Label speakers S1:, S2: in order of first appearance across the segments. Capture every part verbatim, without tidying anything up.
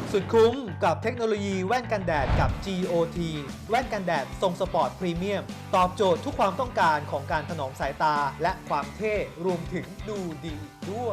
S1: สุดคุ้มกับเทคโนโลยีแว่นกันแดดกับ จี โอ ที แว่นกันแดดทรงสปอร์ตพรีเมียมตอบโจทย์ทุกความต้องการของการถนอมสายตาและความเท่รวมถึงดูดีด้วย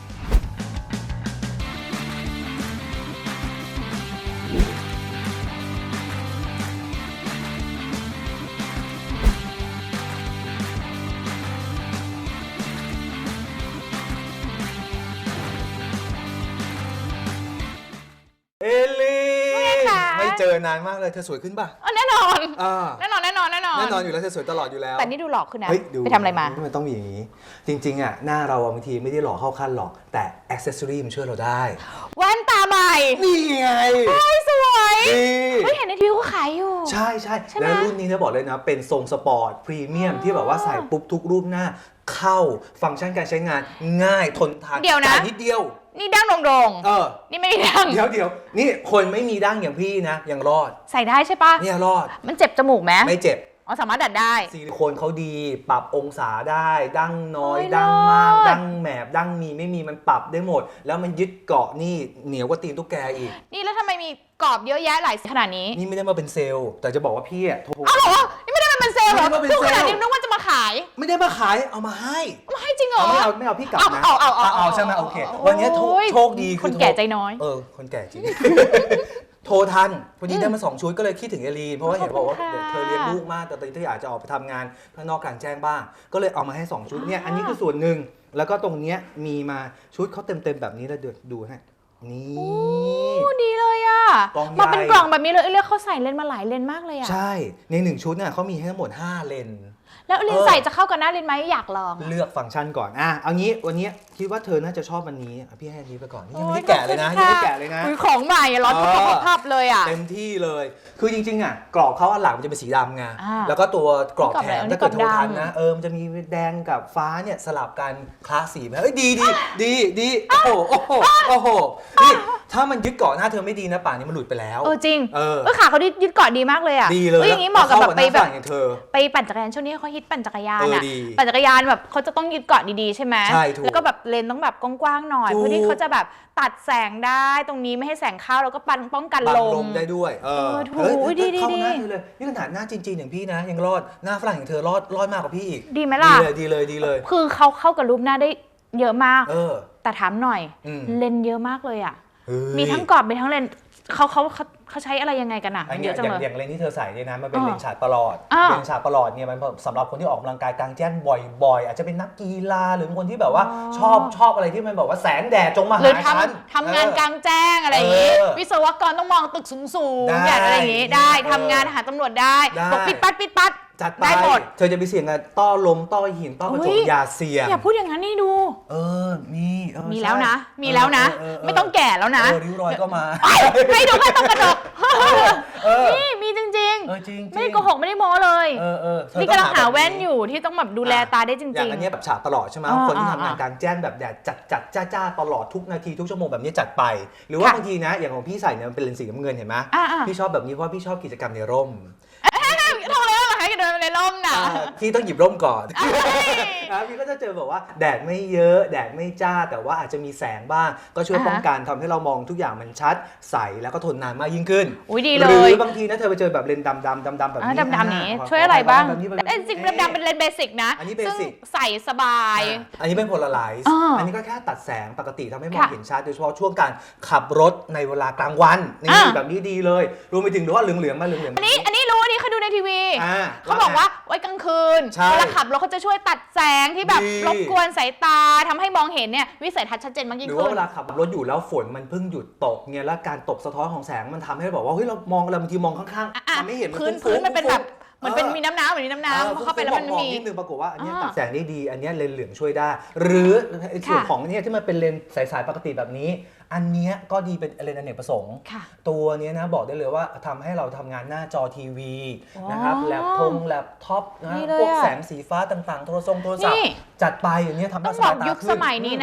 S1: เอลีไม่เจอนานมากเลยเธอสวยขึ้นป่ะ
S2: แน่นอน
S1: อ่า
S2: แน่นอนแน่นอนแน่นอน
S1: แน่นอนอยู่แล้วเธอสวยตลอดอยู่แล้ว
S2: แต่นี่ดูหลอกขึ้นนะ
S1: เฮ้ยดู
S2: ไปทำอะไรมา
S1: มันต้องมีอย่างนี้จริงๆอ่ะหน้าเราบางทีไม่ได้หล่อเข้าขั้นหรอกแต่อ็อกเซสซอรี่มันช่วยเราได้
S2: แว่นตาใหม่
S1: นี่ไง
S2: เฮ้ยสวย
S1: ดี
S2: เฮ้ยเห็นในทีวีเขาขายอยู่
S1: ใช่ใช่แล้วรุ่นนี้เนี่ยบอกเลยนะเป็นทรงสปอร์ตพรีเมียมที่แบบว่าใส่ปุ๊บทุกรูปหน้าเข้าฟังก์ชันการใช้งานง่ายทนทาน
S2: เดียวนะ
S1: นิดเดียว
S2: นี่ดั้งโด่งๆ
S1: เออ
S2: นี่ไม่ได้ดั้ง
S1: เดี๋ยวเดี๋ยวนี่คนไม่มีดั้งอย่างพี่นะยังรอด
S2: ใส่ได้ใช่ปะ
S1: เนี่ยรอด
S2: มันเจ็บจมูกไหม
S1: ไม่เจ็บ
S2: อ๋อสามารถดัดได้
S1: ซิลิโคนเขาดีปรับองศาได้ดั้งน้อยดั้งมากดั้งแหมบดั้งมีไม่มีมันปรับได้หมดแล้วมันยึดเกาะนี่เหนียวกว่าตีนตุ๊กแกอีก
S2: นี่แล้วทำไมมีกรอบเยอะแยะหลายขนาดนี้
S1: นี่ไม่ได้มาเป็นเซลล์แต่จะบอกว่าพี่อะโทร
S2: อ้าวเหรอนี่ไม่ได้มาเป็นเซลล์เหรอทุกขนาดนี้นึกว่าจะมาขาย
S1: ไม่ได้มาขายเอามาให้
S2: มาให้จริงเหรอ
S1: ไม่เอาไม่เอาพี่กลับนะ
S2: เอาเอาเอา
S1: เอาใช่ไหมโอเควันนี้โชคดี
S2: คนแก่ใจน้อย
S1: เออคนแก่จริงโทรทันพอดีได้มาสองชุดก็เลยคิดถึงเอลีนเพราะว่าเห็นบอกว่าเธอเลี้ยงลูกมากแต่ตอนนี้เธออยากจะออกไปทำงานข้างนอกกลางแจ้งบ้างก็เลยเอามาให้สองชุดเนี่ยอันนี้คือส่วนหนึ่งแล้วก็ตรงเนี้ยมีมาชุดเขาเต็มๆแบบนี้แล้วเดี๋ยวดูให้นี่
S2: โอ้ดีเลยอ่ะมาเป็นกล่องแบบนี้เลยเรียกเขาใส่เลนส์มาหลายเลนส์มากเลยอ่ะ
S1: ใช่ในหนึ่งชุดเนี่ยเขามีให้ทั้งหมดห้าเลนส์
S2: แล้วเลนส์ใส่จะเข้ากับหน้าเลนส์ไหมอยากลอง
S1: เลือกฟังก์ชันก่อนอ่ะเอางี้วันนี้คิดว่าเธอน่าจะชอบวันนี้พี่ให้อันนี้ไปก่อนนี่ยังไม่ได้แกะเลยนะยังไม่ได้แกะเลยนะ
S2: ของใหม่ร้อนภาพเลยอ่ะ
S1: เต็มที่เลยคือจริงๆอ่ะกรอบเขาอันหลังมันจะเป็นสีดำไงแล้วก็ตัวกรอบแถมถ้าเกิดโทรทันนะเออมันจะมีแดงกับฟ้าเนี่ยสลับกันคลาสสีไปเฮ้ยดีดีดีดีโอ้โหโอ้โหโอ้โหนี่ถ้ามันยึดเกาะหน้าเธอไม่ดีนะป่านนี้มันหลุดไปแล้ว
S2: เออจริงเออขาเขายึดเกาะดีมากเลยอ่ะ
S1: ดีเลย
S2: อย่างนี้เหมาะกับแบบไปแบบ
S1: ไป
S2: ปั่นจักรยานช่วงนี้เขาฮิตปั่นจักรยานอ่ะปั่นจักรยานแบบเขาจะต้องยึดเกาะดีๆใช่ไหมแล้วก็แบบเลนต้องแบบกว้างๆหน่อยเพื่อที่เขาจะแบบตัดแสงได้ตรงนี้ไม่ให้แสงเข้าแล้วก็ปันป้องกันลม
S1: ได้ด้วยเออ
S2: ถูกดีดี
S1: ดีเลยนี่ขนาดหน้าจริงๆอย่างพี่นะยังรอดหน้าฝรั่งอย่างเธอรอดรอดมากกว่าพี่อีก
S2: ดีไหมล่ะ
S1: ดีเลยดีเลยดีเลย
S2: คือเขาเข้ากับรูปหน้าได้เยอะมาก
S1: เออ
S2: แต่ถามหน่อยเลนเยอะมากเลยอ่ะมีทั้งกรอบมีทั้งเลนเขาเขาเขาใช้อะไรยังไงกันอะเยอะจังเลย
S1: อย่างเลนที่เธอใส่เนี่ยนะมันเป็นเลนฉาดประหลอดเลนฉาดประหลอดเนี่ยมันสำหรับคนที่ออกกำลังกายกลางแจ้งบ่อยๆอาจจะเป็นนักกีฬาหรือคนที่แบบว่าชอบชอบอะไรที่มันบอกว่าแสงแดดจงมาหาฉัน
S2: ทำงานกลางแจ้งอะไรอย่างงี้วิศวกรต้องมองตึกสูงๆอย่างอะไรอย่างงี้ได้ทำงานหาตำรวจได้บอกปิดปัดปิดปัด
S1: จัดไปเธอจะไปเสี่ยงกับต้อลมต้อหินต้อกระจกอย่าเสี่ยง
S2: อย่าพูดอย่างนั้นนี่ดู
S1: เออมี
S2: มีแล้วนะมีแล้วนะไม่ต้องแก่แล้วนะ
S1: ริ้วรอยก็มา
S2: ให้ดูแค่ต้อกระจกนี่มีจริงๆไม่ได้โกหกไม่ได้โม้เลยนี่กำลังหาแว่นอยู่ที่ต้องแบบดูแลตาได้จริงๆ
S1: อย่างอันนี้แบบฉาดตลอดใช่ไหมคนที่ทำงานกลางแจ้งแบบแดดจัดจัดจ้าจ้าตลอดทุกนาทีทุกชั่วโมงแบบนี้จัดไปหรือว่าบางทีนะอย่างของพี่ใส่เนี่ยมันเป็นเลนส์สีน้ำเงินเห็นไหมพี่ชอบแบบนี้เพราะพี่ชอบกิจกรรมในร่ม
S2: ทำเลยให้เดินในร่มน่ะ
S1: พี่ต้องหยิบร่มก่อนพี่ก็จะเจอแบบว่าแดดไม่เยอะแดดไม่จ้าแต่ว่าอาจจะมีแสงบ้างก็ช่วยป้องกันทำให้เรามองทุกอย่างมันชัดใสแล้วก็ทนนานมากยิ่งขึ้น
S2: อุ้ยดีเลย
S1: หรือบางทีนะเธอไปเจอแบบเลนส์ดำดำดำดำแบบนี้
S2: ดำดำนี้ช่วยอะไรบ้างไอ้สิ่งดำๆเป็นเลนส์เบสิกนะ
S1: อันนี้เบสิก
S2: ใส่สบาย
S1: อันนี้เป็นโพลาไรซ์อันนี้ก็แค่ตัดแสงปกติทำให้มองเห็นชัดโดยเฉพาะช่วงการขับรถในเวลากลางวันนี่แบบนี้ดีเลยรวมไปถึงว่าเหลืองๆมาเหลืองๆ
S2: อันนี้อันนี้รู้อันนี้เคยดูในทีวีเขาบอกว่าไว้กลางคืนเวลาขับรถเขาจะช่วยตัดแสงที่แบบรบกวนสายตาทำให้มองเห็นเนี่ยวิสัยทัศน์ชัดเจนมากยิ่งขึ้น
S1: หรือว่าเวลาขับรถอยู่แล้วฝนมันเพิ่งหยุดตกเนี่ยแล้วการตกสะท้อนของแสงมันทำให้บอกว่าเฮ้ยเรามองอะไรบางทีมองข้างๆทำไม่เห็น
S2: พื้นพื้นมันเป็นแบบเหมือนเป็นมีน้ำน้ำเหมือนน้ำน้ำเข้าไปแล้วมันมี
S1: นิดนึงปรากฏว่าอันนี้ตัดแสงได้ดีอันนี้เลนส์เหลืองช่วยได้หรือส่วนของเนี่ยที่มันเป็นเลนส์สายๆปกติแบบนี้อันนี้ก็ดีเป็นเลนส์อเนกประสงค์ตัวนี้นะบอกได้เลยว่าทำให้เราทำงานหน้าจอทีวีนะครับแล็ปทงแล็ปท็อปนะพวกแสงสีฟ้าต่างๆโทรศัพท์โทรศัพท์จัดไปอย่างนี้ทำให้สายตาขึ้น
S2: ยุคสมัยนี้นะ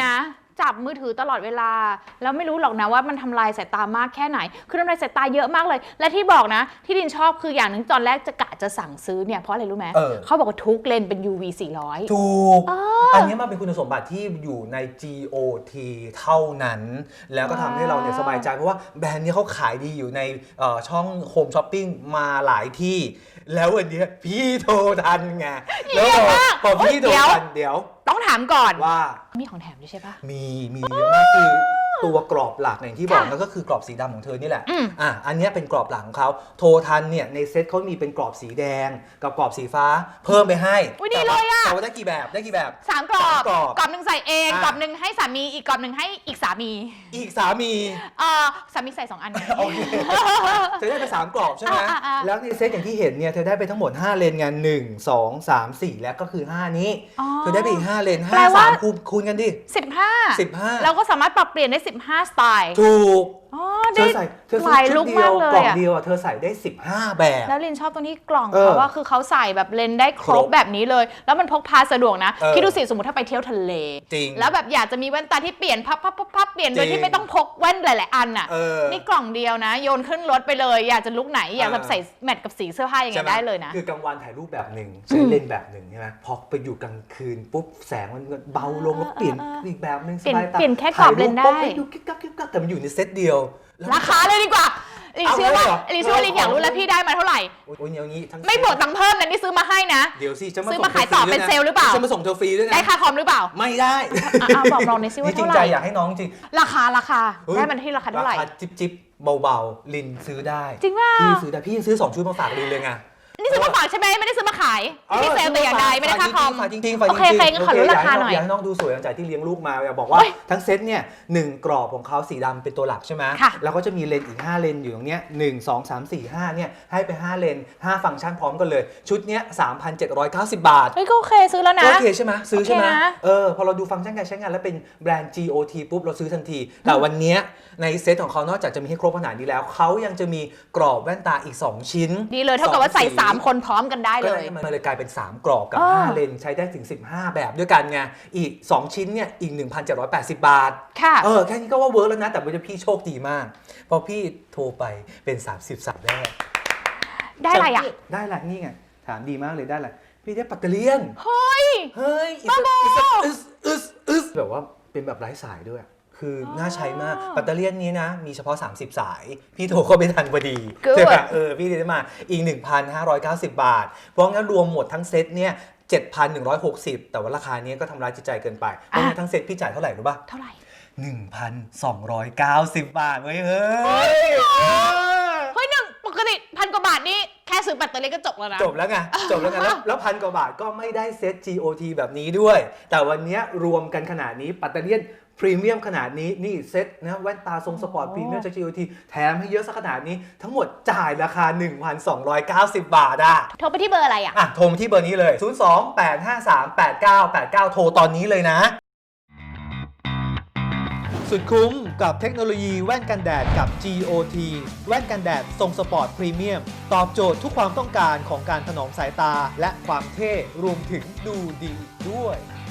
S2: จับมือถือตลอดเวลาแล้วไม่รู้หรอกนะว่ามันทำลายสายตามากแค่ไหนคือทำลายสายตาเยอะมากเลยและที่บอกนะที่ดินชอบคืออย่างหนึ่งตอนแรกจะกะจะสั่งซื้อเนี่ยเพราะอะไรรู้ไหม
S1: เออ
S2: เขาบอกว่าทุกเลนเป็น ยู วี สี่ร้อย
S1: ถูก
S2: เออ
S1: อันนี้มันเป็นคุณสมบัติที่อยู่ใน จี โอ ที เท่านั้น แล้วก็ทำให้เราเนี่ยสบายใจเพราะว่าแบรนด์นี้เขาขายดีอยู่ในเอ่อช่องโฮมช้อปปิ้งมาหลายที่ แล้ววันนี้พี่โทรทันไงแล้วพอพอพี่โทรทันเดี๋ยว
S2: ต้องถามก่อน
S1: ว่า
S2: มีของแถมด้วยใช่ปะ
S1: มีมีเยอะมากคือตัวกรอบหลักอย่างที่บอก
S2: ค่ะ
S1: นั่นก็คือกรอบสีดำของเธอนี่แหละ
S2: อืม
S1: อ่ะอันเนี้ยเป็นกรอบหลังของเขาโททันเนี่ยในเซ็ตเขามีเป็นกรอบสีแดงกับกรอบสีฟ้าเพิ่มไปให้
S2: อุ๊ยดีเลยอะ
S1: แต่ว่าได้กี่แบบได้กี่แบบ
S2: สามกรอบ
S1: สามกรอบ
S2: กรอบหนึ่งใส่เอง
S1: อ่ะ
S2: กรอบหนึ่งให้สามีอีกกรอบหนึ่งให้อีกสามี
S1: อีกสามี
S2: เออสามีใส่สองอันไง
S1: โอเคเธอได้ไปสามกรอบใช่ไหม
S2: อ่ะอ่ะอ่ะ
S1: แล้วในเซ็ตอย่างที่เห็นเนี่ยเธอได้ไปทั้งหมดห้าเลนไงหนึ่ง สอง สาม สี่แล้วก็คือห้านี้
S2: อ๋อ
S1: เธอได้ไปอีกห้าเลน
S2: แปล
S1: ห้า
S2: ว่า
S1: สามคูณคูณกันดิ
S2: สิบห้า
S1: สิบห้า
S2: เราก็สามารถปรับเปลี่ยนได้สิบห้าสไตล์
S1: ถูก
S2: อ๋อ
S1: เธ
S2: ได้
S1: อใส่เธอ
S2: ห
S1: ซื้อ
S2: ลาย
S1: ชุ
S2: ลุ
S1: ด
S2: ค
S1: เดีย
S2: มาว กเล
S1: กล่อย ง
S2: อะ
S1: เดียวอะเธอใส่ได้สิบห้าแบบ
S2: แล้วลินชอบตรงที่กล่อง
S1: เออ
S2: เขาว่าคือเขาใส่แบบเลนส์ได้ครบ
S1: ครบ
S2: แบบนี้เลย แล้วมันพกพาสะดวกนะ
S1: เออ
S2: คิดดูสิสมมติถ้าไปเที่ยวทะเล
S1: จริง
S2: แล้วแบบอยากจะมีแว่นตาที่เปลี่ยนพับพับพับพับเปลี่ยนโดย
S1: จริ
S2: ที่
S1: ง
S2: ไม่ต้องพกแว่นหลาย ๆ อันอ่ะ
S1: เออ
S2: นี่กล่องเดียวนะ โยนขึ้นรถไปเลย อยากจะลุกไหนอยากแบบ
S1: เออ
S2: ใส่แมทกับสีเสื้อผ้ายังไง
S1: ใช่หม
S2: ได้เลยนะ
S1: คือกลางวันถ่ายรูปแบบหนึ่งใช้เลนส์แบบหนึ่งใช่ไหมพอไปอยู่กลางคืนปุ๊บแสงมันเบาลงแล้วเปลี่ยน
S2: เออเออ
S1: อีกแบบหนึ่ง
S2: เปลี่ยน
S1: สบายตา
S2: เปลี่ยนแค่กรอบเลนส์ได้
S1: ถ่ายรูปปุ๊บดูกิ๊กกักกิ๊กกักแต่มันอยู่ในเซตเดียวแล้ว
S2: ราคาเลยดีกว่าลิน
S1: เอา
S2: เชื่อว่า
S1: เลยเหรอ
S2: ลินเชื่อว่าลินอยากรู้แล้วพี่ได้มาเท่าไหร่
S1: โอ้ยอย่างนี้ทั้ง
S2: ไม่บวกตังค์เพิ่มนะนี่ซื้อมาให้นะ
S1: เดี๋ยวสิจะมา
S2: ซื้อ
S1: ส่ง
S2: มาขายต่อ
S1: ธฟรี
S2: เป็น
S1: ด้วยะ
S2: เซลล์หรือเปล่า
S1: จะมาส่งเธอฟรีด้วยนะ
S2: ได้ค่าคอมหรือเปล่า
S1: ไม่ได้
S2: อ่ะอ่ะบอกลองหน่อยสิว่า
S1: นี่จริ
S2: เท่าง ไห
S1: ใจ
S2: ร่
S1: อยากให้น้องจริง
S2: ราคาราคา
S1: เฮ้ย
S2: ได้มันที่ราคาเท่าไหร่
S1: ราคาจิ๊บจิ๊บเบาๆลินซื้อได้
S2: จริงป่ะ
S1: พี่ซื้อได้พี่ยังซื้อสองชุดมาฝากลินเลยไง
S2: นี่ซื้อมาฝากใช่ไหมไม่ได้ซื้อมาขายไม่ได้เซลล์แต่อย่างใดไม่ได้ค่าคอม
S1: ฝากจริงๆฝากจริงๆ
S2: โอเคโอเคงั้นขอรู้ราคาหน่อย
S1: อยากให้น้องดูสวยหลังจากที่เลี้ยงลูกมาอยากบอกว่า
S2: เฮ้ย
S1: ทั้งเซตเนี่ยหนึ่งกรอบของเขาสีดำเป็นตัวหลักใช่ไหม
S2: ค่ะ
S1: แล้วก็จะมีเลนส์อีกห้าเลนส์อยู่ตรงเนี้ยหนึ่ง สอง สาม สี่ ห้าเนี่ยให้ไปห้าเลนส์ห้าฟังก์ชันพร้อมกันเลยชุดเนี้ย สามพันเจ็ดร้อยเก้าสิบ บาท
S2: เฮ้ยก็โอเคซื้อแล้วนะ
S1: โอเคใช่ไหมซื้อใช่ไหม
S2: โอเคนะ
S1: เออพอเราดูฟังก์ชันการใช้งานแล้วเป็นแบรนด์ จี โอ ที ปุ๊บเราซื้อทันที แต่วันเนี้ยในเซตของเขานอกจากจะมีให้ครบขนาดนี้แล้วเขายังจะมีกรอบแว่นตาอีกสองชิ้น
S2: ดีเลยเท่ากับว่าใส่
S1: สองสี
S2: สามคนพร้อมกันได้
S1: ก็
S2: เล
S1: เลย ยมันเลยกลายเป็นสามกรอบกับ
S2: อ๋อ
S1: ห้าเลนใช้ได้ถึงสิบห้าแบบด้วยกันไงอีกสองชิ้นเนี่ยอีก หนึ่งพันเจ็ดร้อยแปดสิบ บาท
S2: ค่ะ
S1: เออแค่นี้ก็ว่าเวิร์กแล้วนะแต่ว่าพี่โชคดีมากพอพี่โทรไปเป็นสามสิบสายแรก
S2: ได้อะไรอ่ะ
S1: ได้อะไรนี่ไงถามดีมากเลยได้อะไรพี่ได้ปัตเตอร์เลียน
S2: เฮ้ย
S1: เฮ้ยอี
S2: บ้าบอ
S1: อึสอึสอึสแบบว่าเป็นแบบไร้สายด้วย คืออน่าใช้มากแบตเตอรี่นี้นะ มีเฉพาะ สามสิบ สาย พี่โทรเข้าไปทันพอดี
S2: Good
S1: ใช่ปะเออ พี่ได้มาอีก หนึ่งพันห้าร้อยเก้าสิบ บาท เพราะงั้นรวมหมดทั้งเซตเนี่ย เจ็ดพันหนึ่งร้อยหกสิบ แต่ว่าราคานี้ก็ทำร้ายจิตใจเกินไป เพราะงั้นทั้งเซตพี่จ่ายเท่าไหร่รู้ป่ะ
S2: เท่าไหร่
S1: หนึ่งพันสองร้อยเก้าสิบ บาทเว้ยเฮ้ย
S2: เฮ้ยหนึ่งปกติพันกว่าบาทนี่แค่ซื้อแบตเตอรี่ก็จบแล้วนะ
S1: จบแล้วไง จบแล้วไง แล้วแล้วพันกว่าบาทก็ไม่ได้เซต จี โอ ที แบบนี้ด้วย แต่วันนี้รวมกันขนาดนี้ปัตเตอรี่พรีเมียมขนาดนี้นี่เซตนะแว่นตาทรงสปอร์ตพรีเมียมจาก จี โอ ที แถมให้เยอะสักขนาดนี้ ทั้งหมดจ่ายราคา หนึ่งพันสองร้อยเก้าสิบ บาทอ่ะ
S2: โทรไปที่เบอร์อะไรอ่ะ
S1: อ่ะ โทรมาที่เบอร์นี้เลย ศูนย์ สอง แปด ห้า สาม แปด เก้า แปด เก้า โทรตอนนี้เลยนะ สุดคุ้มกับเทคโนโลยีแว่นกันแดดกับ จี โอ ที แว่นกันแดดทรงสปอร์ตพรีเมียมตอบโจทย์ทุกความต้องการของการถนอมสายตาและความเท่รวมถึงดูดีด้วย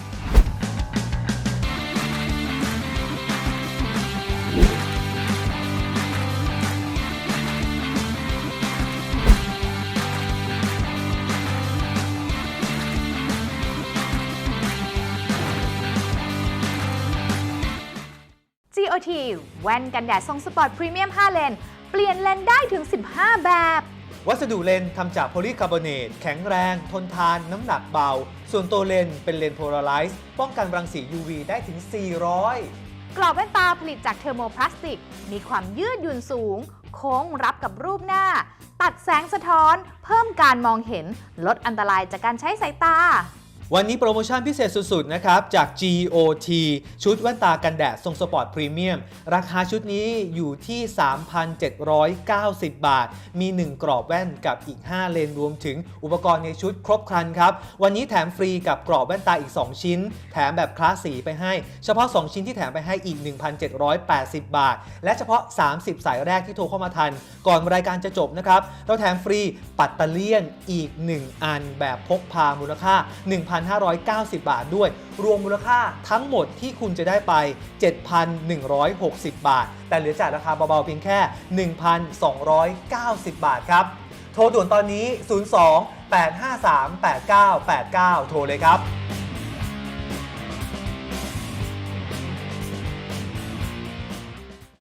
S2: จี โอ ที แว่นกันแดดทรงสปอร์ตพรีเมียมห้าเลน เปลี่ยนเลนได้ถึงสิบห้าแบบ
S1: วัสดุเลนส์ทำจากโพลีคาร์บอเนตแข็งแรง ทนทาน น้ำหนักเบา ส่วนตัวเลนส์เป็นเลนส์โพลาไรซ์ป้องกันรังสี ยู วี ได้ถึง สี่ร้อย
S2: กรอบแว่นตาผลิตจากเทอร์โมพลาสติก มีความยืดหยุ่นสูง โค้งรับกับรูปหน้า ตัดแสงสะท้อน เพิ่มการมองเห็น ลดอันตรายจากการใช้สายตา
S1: วันนี้โปรโมชั่นพิเศษสุดๆนะครับจาก จี โอ ที ชุดแว่นตากันแดดทรงสปอร์ตพรีเมียมราคาชุดนี้อยู่ที่ สามพันเจ็ดร้อยเก้าสิบ บาท มี หนึ่ง กรอบแว่นกับอีก ห้า เลนรวมถึงอุปกรณ์ในชุดครบครันครับวันนี้แถมฟรีกับกรอบแว่นตาอีก สอง ชิ้น แถมแบบคลาสสีไปให้เฉพาะ สอง ชิ้นที่แถมไปให้อีก หนึ่งพันเจ็ดร้อยแปดสิบ บาท และเฉพาะ สามสิบ สายแรกที่โทรเข้ามาทันก่อนรายการจะจบนะครับเราแถมฟรีปัตเตอร์เลียนอีก หนึ่ง อันแบบพกพามูลค่า หนึ่งพันนห้าร้อยเก้าสิบ บาทด้วยรวมมูลค่าทั้งหมดที่คุณจะได้ไป เจ็ดพันหนึ่งร้อยหกสิบ บาทแต่เหลือจ่ายราคาเบาๆเพียงแค่ หนึ่งพันสองร้อยเก้าสิบ บาทครับโทรด่วนตอนนี้ ศูนย์ สอง แปด ห้า สาม แปด เก้า แปด เก้า โทรเลยครับ